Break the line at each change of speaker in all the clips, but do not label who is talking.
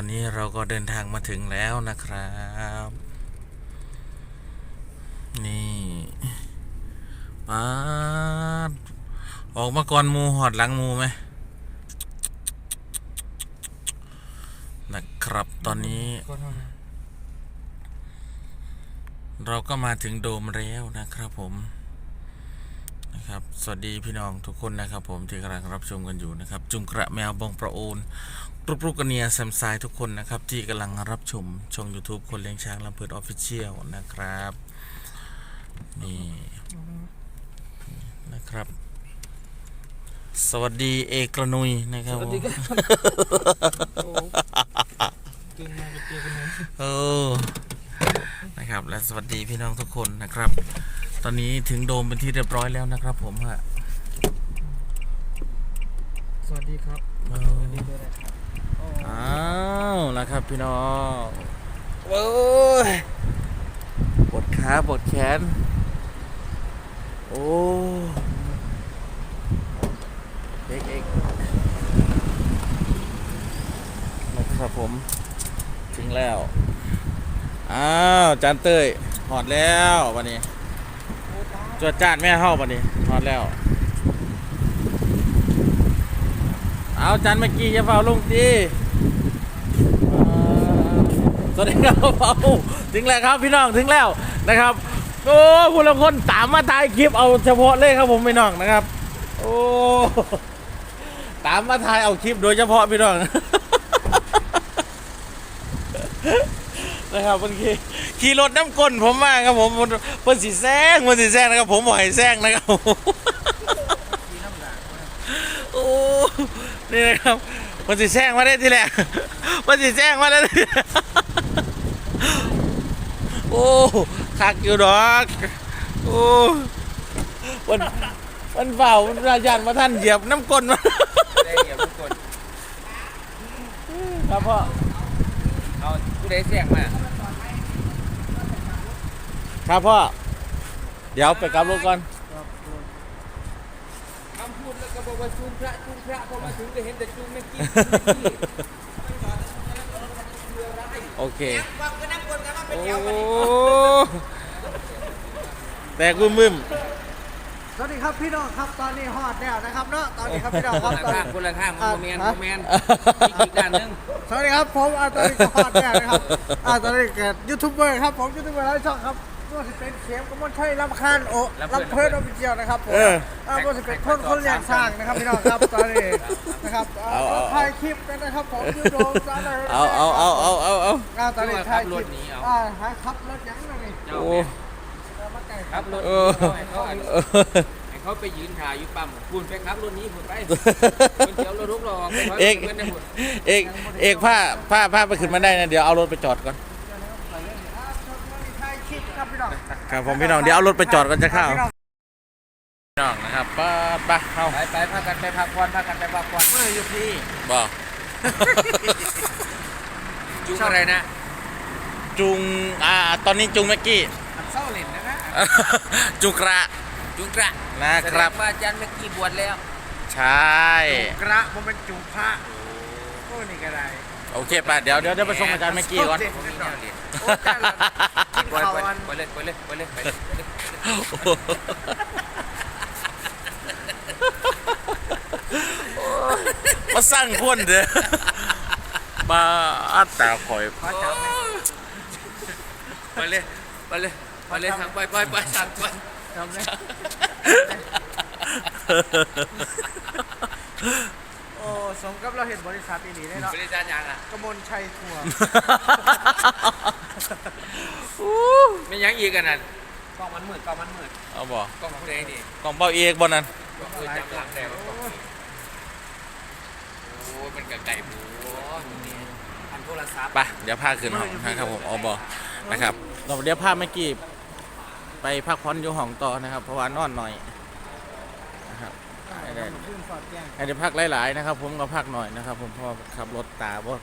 นี้เราก็เดินทางมาถึงแล้วนะครับ นี่ป๊าดออกมาก่อนมูหอดหลังมูไหมนะครับตอนนี้ เราก็มาถึงโดมแล้วนะครับผมนะครับสวัสดีพี่น้องทุกคนนะครับผมที่กำลังรับชมกันอยู่นะครับจุงกระแมวบองประโอนรูปกระเนียแซมไซทุกคนนะครับที่กำลังรับชมช่อง YouTube คนเลี้ยงช้างลำเพิดออฟฟิเชียลนะครับนี่นะครับสวัสดีเอกระนุยนะครับสวัสดีครับโอ้นะครับและสวัสดีพี่น้องทุกคนนะครับตอนนี้ถึงโดมเป็นที่เรียบร้อยแล้วนะครับผมฮะ
สวัสดีครับสวัสดีด้วยนะครับ
อ้าวนะครับพี่น้องโอ้ยปวดขาปวดแขนโอ้เอกนะครับผมถึงแล้วอ้าวจานเต้ยหอดแล้ววันนี้จวดจานแม่เข้าวันนี้หอดแล้วเอาจานเมื่อกี้จะเฝ้าลุงตีสวัสดีครับเฝ้าถึงแล้วครับพี่น้องถึงแล้วนะครับโอ้คุณละคนตามมาถ่ายคลิปเอาเฉพาะเลยครับผมพี่น้องนะครับโอ้ตามมาถ่ายเอาคลิปโดยเฉพาะพี่น้องนะครับเมื่อกี้ขี่รถน้ำก้นผมมาครับผมเพิ่นสีแซงนะครับผมบ่อยแซงนะครับโอ้นี่นะครับเพิ่นสีแซงมาได้ทีแรกเพิ่นสีแซงมาได้โอ้คักอยู่ดอกโอ้มันเฝ้าราชามาท่านเหยียบน้ำก้นมา
ได้เหยียบน้ำก้น
ครับพ่อ
เอาผู้ใดเสียงมา
ครับพ่อเดี๋ยวไปกลับรถก่อน
คำพูดแล้วก็บอกว่าจุงพระพอมาถึงก็เห็นแต่จุงไม่กิน
โอเค
โอ้
แต่กุ้มมึม
สวัสดีครับพี่น้องครับตอนนี้ฮอดแล้วนะครับเนาะตอนนี้ครับพี่น้องครับ
คนละข้างโมเมนอีกด้านนึง
สวัสดีครับผมตอนนี้ฮอดแล้วนะครับตอนนี้เกิดยูทูบเบอร์ครับผมยูทูบเบอร์หลายช่องครับว่าจะเป็นเสียงกมลชัยลำคาญโอ้ลำเพิดออฟฟิเชียลนะครับผมว่าจะเป็นคนเลี้ยงสร้างนะครับพี่น้องครับตอนนี้นะครับถ่ายคลิปกันนะครับผมยูโดมซาเลย
เอา
ตอนนี้ถ่ายคลิปหาขับรถยังไง
โอ้
ครับรถเขาไปยืนถ่ายอยู่ปั๊มคุณไปครับรถนี้คุณไปคุณเดี๋ยวรถทุกรอ
เอกผ้าไปขึ้นมาได้นะเดี๋ยวเอารถไปจอดก่อนครับผมพี่น้องเดี๋ยวเอารถไปจอดก่อนจะเข้าพี่น้องนะครับไปเข้า
ไปพากันไปพักผ่อน
เมื่ออยู่ที่บอก
จุงอะไรนะ
จุงตอนนี้จุงเมื่อกี้
เศร้าเล่นนะ
จุงกระนะครับ
ว่าอาจารย์เมื่อกี้บวชแล้ว
ใช่
จุงกระมันเป็นจุงพระโอ้นี่ก็ได้
โอเคป่ะเดี๋ยวไปส่งอาจารย์เมื่อกี้ก่อน
ไปเลย
มาสร้างคนเด้อมาอัดตาคอย
ไปเลยทางไปทางไปทำเลย
โอ้สมกับเราเห็นบริษัทนี้ได้เนาะ
บริษัทยัง
กมลชัยทัวร์
ไม่ยังอีกกันนั่นกล้องมันมืด
เอาบ่
กล้องผู้ใดนี่
กล้องเบาเอกบ่นั่น
จำหลังแต่โอ้เป็นไก่หมูอันโทรศัพท์
ไปเดี๋ยวพาขึ้นห้องนะครับผมเอาบ่นะครับเราเดี๋ยวพาเมื่อกี้ไปพักผ่อนอยู่ห้องต่อนะครับเพราะว่านอนหน่อยนะครับให้ได้พักหลายๆนะครับผมก็พักหน่อยนะครับผมพอขับรถตาบ่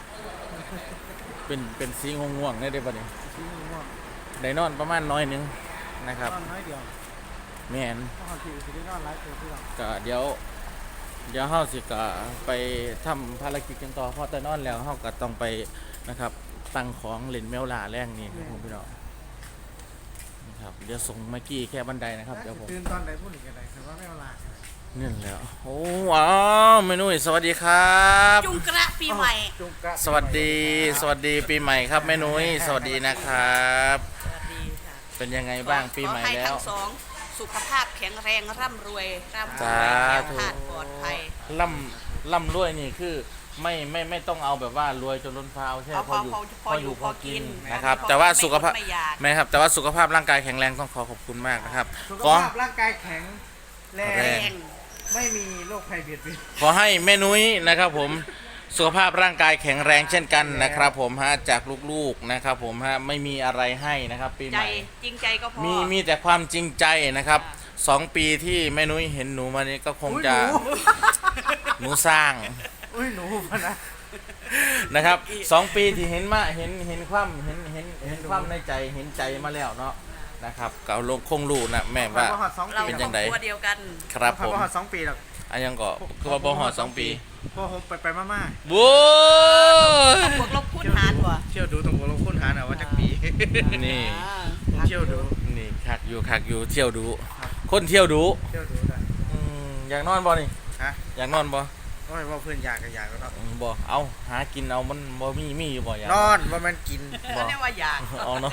เป็นสีง่วงๆได้ป่ะเนี่ยได้นอนประมาณน้อยนึงนะครับ
น้อยเดียว
แม่นก็เดี๋ยวเดี๋ยวเฮาสิก็ไปทำภารกิจกันต่อเพราะแต่นอนแล้วเฮาก็ต้องไปนะครับตั้งของเล่นแมวล่าแรงนี่ครับผมพี่น้องนะครับเดี๋ยวส่งเมื่อกี้แค่บันไดนะครับเดี๋ยวผม
ตื่นตอนไหนพูดอีกอะไรคือว่าไม่เอาลา
นี่แหล้วโอ้ว้าวเมนุ้ยสวัสดีครับ
จุงกระปีใหม่
จุกกะ
สวัสดีปีใหม่ครับแม่นุ้ยสวัสดีนะครับ
สวัสดีค่ะ
เป็นยังไงบ้างปีใหม่
ขอให้
แล้ว
ทั้งสองสุขภาพแข็งแรงร่ำรวยร่ำร
สา
วย
ธุ
แข็งขาดปลอดภัย
ล่ำรวยนี่คือไม่ต้องเอาแบบว่ารวยจนล้นฟ้าเอาแค่
เอา
พออยู่พอกินนะครับ
พอ
แต่ว่าสุขภาพ
ไม่อยาก
ไม่ครับแต่ว่าสุขภาพร่างกายแข็งแรงต้องขอบคุณมากนะครับ
สุข
ขอ
ภาพร่างกายแข็งแร
แรง
ง
ไม่มีโรคภัยเบียดเบียน
ขอให้แม่นุ้ยนะครับผมสุขภาพร่างกายแข็งแรงเช่นกันนะครับผมฮะจากลูกๆนะครับผมฮะไม่มีอะไรให้นะครับปีให
ใจ
ม่
จริงใจก็พอ
มีแต่ความจริงใจนะครับ2 ปีที่แม่นุ้ยเห็นหนูมานี้ก็คงจะหนูสร้าง
อุ้ยหนูพะนะ
นะครับ2 ปีที่เห็นมาเห็นความในใจเห็นใจมาแล้วเนาะนะครับก็ลงคงรู้นะแม่ว่า
พอหอด2
เรา
ปี
เป็น
ค
จั
รอบ
งใด
ครัวเดียวกัน
ครับ
พอ
ผม
หอด2 ปีหรอก
อันยังก็คือว่าบ่ฮอด2 ปี
พอผมไปมา
โว้ย
บวกลบคูณหารว่ะ
เที่ยวดูตรงหัวลงค้นหาหน่อยว่าจักปี
นี่
ผมเที่ยวดู
นี่คักอยู่เที่ยวดูคนเที่ยวดู
เที่ยวดูได้
อยากนอนบ่นี่
ฮะ
อยากนอนบ่
โอ้ยว่าเพื่อนอยากก็อยากแล้วเนาะ
บ่เอาหากินเอามันบ่มีอยู่บ่อยาก
นอนว่ามันกิน
บอก
เรียกว่าอยาก
เอาเนาะ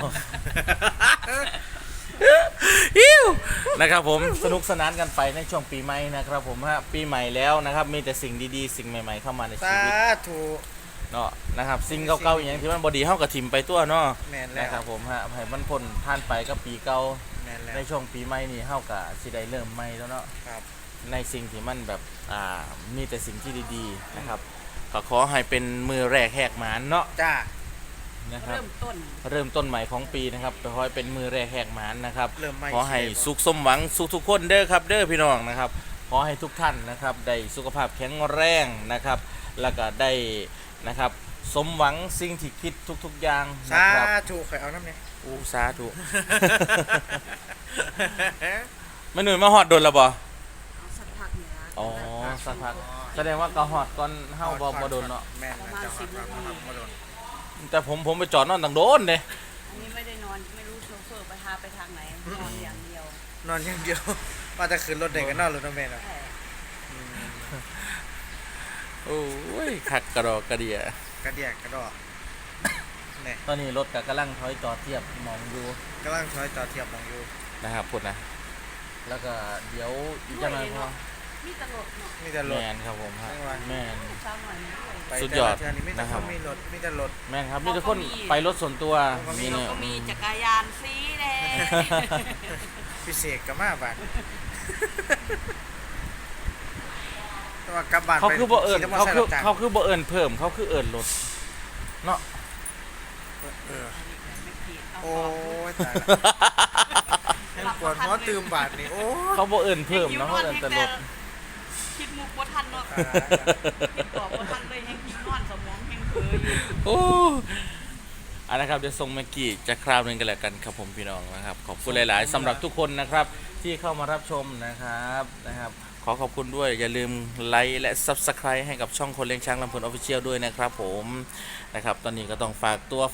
อิ้วนะครับผมสนุกสนานกันไปในช่วงปีใหม่นะครับผมฮะปีใหม่แล้วนะครับมีแต่สิ่งดีๆสิ่งใหม่ๆเข้ามาในชี
สา
วิต
ธุ
เนาะนะครับสิ่งเก่าๆอย่างที่มันบดีเฮากับทิมไปตัวเนาะ
แม่นแล้ว
นะครับผมฮะให้มันพ้นผ่านไปก็ปีเก่า
แม่นแล้ว
ในช่วงปีใหม่นี่เฮากับสิได้เริ่มใหม่แล้วเนาะ
ครับ
ในสิ่งที่มันแบบมีแต่สิ่งที่ดีๆนะครับก็ขอให้เป็นมือแรกแหกหมานเนาะ
จ้า
นะครับ
เริ่มต้น
เริ่มต้นใหม่ของปีนะครับขอให้เป็นมือแรกแหกหมานนะครับ
เริ่มใหม่
ขอให้สุขสมหวังทุกคนเด้อครับเด้อพี่น้องนะครับขอให้ทุกท่านนะครับได้สุขภาพแข็งแรงนะครับแล้วก็ได้นะครับสมหวังสิ่งที่คิดทุกๆอย่างนะ
สา
ครับ
ธุเคยเอาน้ำเนี่ย
อู้สาธุ แม่หนุ่ยมาฮอดโดนแล้วบ่
เอาสักพักเนี่ยนะ
อ๋อสักพักแสดงว่าก็ฮอดก่อนเฮาบ่โดนเนาะ
แม่นนะจะฮอดก่อนบ่โดน
แต่ผมไปจอดนอนต่างโดนเด้
อันนี้ไม่ได้นอนไม่รู้โชเฟอร์ไปพาไปทางไหนนอนอย่างเดียวน
อนอย่างเดียว ว่าจะขึ้นรถเด็กกันนอนรถน้ำแม่เนาะ
ใช่
โอ้ยคักกระดอกกระเดีย
กระเดียกกระดอกเนี่ย
ตอนนี้รถก็กำลังถอยจอดเทียบมองอยู่
กำลังถอยต่อเทียบมองอยู่
นะครับพูดนะแล้วก็เดี๋ยวอีกจังหน่อยพอ
มีตลกเนาะ
มีแต่ร
แม
ถ
นครับผมฮะ
ไม่ไหว
แมน
เช้าหน่อยนี้ด้วย
ไป
สุด
แต่
ยอด
ละเทือนี่มีแต่
นะค
ครับ นมีรถมีแต่รถ
แมนครับมีทุกคนไปรถส่วนตัว
เขามี
นี่
เรา
เนี่ย
ก็มีจักรยานสีแดง
พิเศษกับมาบ้านแต่ว่ากลับบ้าน
เขาคือบ่เอิญ
ขี่ม
เขาคือ
รับจ้ง
เขาคือบ่เอิญเพิ่มเขาคือเอิญรถเนาะ
เออ
ไม่ผิดเอา
โอ้
ของ
ยตายละให้ปวดหัวตื่มบาดนี่โอ้ย
เขาบ่เอิญเพิ่มเนาะเขาเอิญแต่รถ
คิดมุกว่าทันเนาะ
ตายละ
คิดบอกว่าทันเลยแห้งคิดนอนสมองแห้งเผลออยู่
โอ้อันนะครับเดี๋ยวส่งเมื่อกี้จะคราวหนึงกันแล้วกันครับผมพี่น้องนะครับขอบคุณหลาย ๆสำหรับทุกคนนะครับที่เข้ามารับชมนะครับขอขอบคุณด้วยอย่าลืมไลค์และ Subscribe ให้กับช่องคนเลี้ยงช้างลำพูนออฟฟิเชียลด้วยนะครับผมนะครับตอนนี้ก็ต้องฝากตัว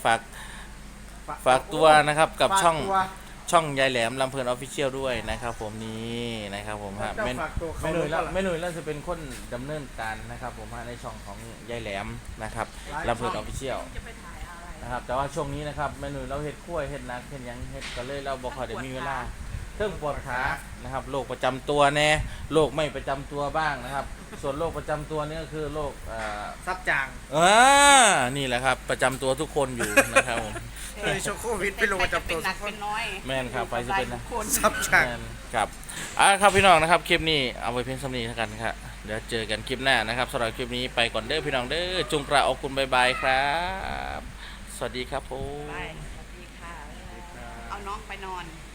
นะครับกับ
ฝาก
ช่อง
ตัว
ช่องยายแหลมลำเพลินออฟฟิเชียลด้วยนะครับผมนี่นะครับผมฮะ
เจ้า
แม่
ฝากตัวเขา
แม่หนุ่ยแล้ว
รู้ปะล่ะ
แม่หนุ่ยแล้วจะเป็นคนดำเนินการนะครับผมฮะในช่องของยายแหลมนะครับลำเพลินออฟฟิเชียล
จะไปถ่ายอะไร
นะครับแต่ว่าช่วงนี้นะครับแม่หนุ่ยเราเฮ็ดขั้วยเฮ็ดนักเฮ็ดหยังเฮ็ดก็เลยเราบ่ค่อยได้มีเวลาเครื่องปวดขานะครับโรคประจำตัวแน่โรคไม่ประจำตัวบ้างนะครับ ส่วนโรคประจำตัวนี่ก็คือโรค
ซับจาง
นี่แหละครับประจำตัวทุกคนอยู่นะครับผม
เฮ้ยช่วงโควิดไปลงประจำตัว
เป็นหนั
ทุ
ก
กค
เป็น นน้อย
แม่นครับไปสิเป็นนะ
ทุกคน
ซับจาง
แม่นครับครับพี่น้องนะครับคลิปนี้เอาไว้เพียงเท่านี้แล้วกันครับเดี๋ยวเจอกันคลิปหน้านะครับสำหรับคลิปนี้ไปก่อนเด้อพี่น้องเด้อจุงกระออกคุณบายบายครับสวัสดีครับผม
ไปสวัสดีค่ะ เอาน้องไปนอน